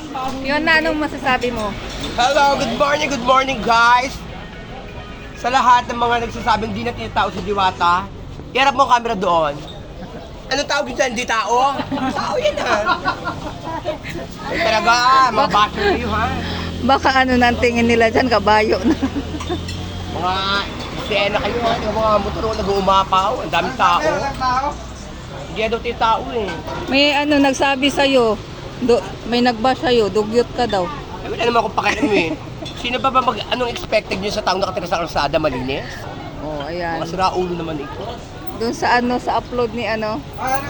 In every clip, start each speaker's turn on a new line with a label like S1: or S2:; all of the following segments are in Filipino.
S1: Yun na, anong masasabi mo?
S2: Hello, good morning guys! Sa lahat ng mga nagsasabing di na tinatao si Diwata, iharap mo ang camera doon. Anong tawag dyan? Hindi tao? Tao yan ha! Ay talaga, mga basher kayo ha!
S1: Baka ano na ang tingin nila dyan, kabayo na.
S2: Mga eksena kayo ha, yung mga motor nag-uumapaw, ang daming tao. Hindi daw tinatao eh.
S1: May ano nagsabi sa'yo, may nagbash sa'yo, dugyot ka daw.
S2: Ay wala naman akong pakialam eh. Sino ba anong expected nyo sa taong nakatira sa kalsada, malinis?
S1: Oh, ayan.
S2: Mga siraulo naman ito.
S1: Doon sa ano, sa upload ni ano,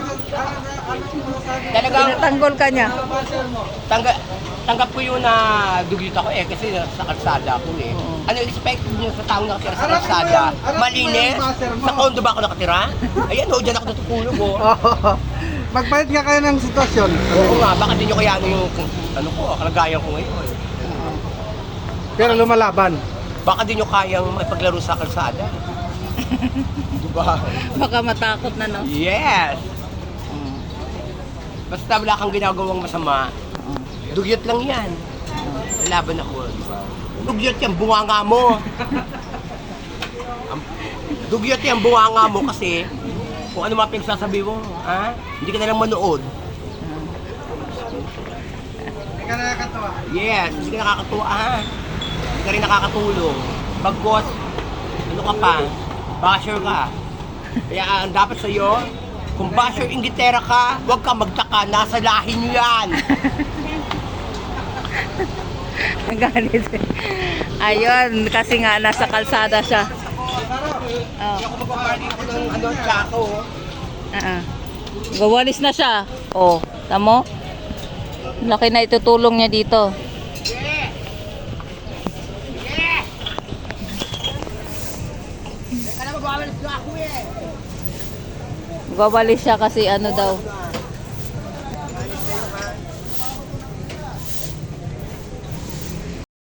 S2: Talagang
S1: tinatanggol ka niya.
S2: tanggap ko yun na dugyot ako eh kasi sa kalsada ako eh.
S1: Oo.
S2: Ano expected nyo sa taong nakatira sa kalsada? Malinis? Sa kondo ba ako nakatira? Ayan o, dyan ako natutulog o.
S3: Magpalit nga kayo ng sitwasyon.
S2: Oo nga, baka di nyo kaya ano yung ano ko, kalagayan ko ngayon.
S3: Pero lumalaban.
S2: Baka di nyo kayang makipaglaro sa kalsada. Diba?
S1: Baka matakot na, no?
S2: Yes! Basta wala kang ginagawang masama, dugyot lang yan. Lalaban ako, di ba? Dugyot yan, bunganga mo. Dugyot yan, bunganga mo kasi kung ano mga pinagsasabi mo, ha? Hindi ka na lang manood.
S3: Hindi ka nakakatawa.
S2: Yes, hindi ka nakakatuwa, ha? Hindi ka rin nakakatulong. Bagkos, ano ka pa? Basher ka. Kaya ang dapat sa'yo, kung basher inggitera ka, huwag ka magtaka, nasa lahi nyo yan.
S1: Galit. Ayun, kasi nga nasa kalsada siya. Oh.
S2: Hindi ako magpaparty ako ng ano, tsako.
S1: Gawalis na siya. Oh, tamo? Laki na itutulong niya dito.
S2: Yeah! Yeah! Teka na, magwawalis na ako eh.
S1: Gawalis siya kasi ano daw,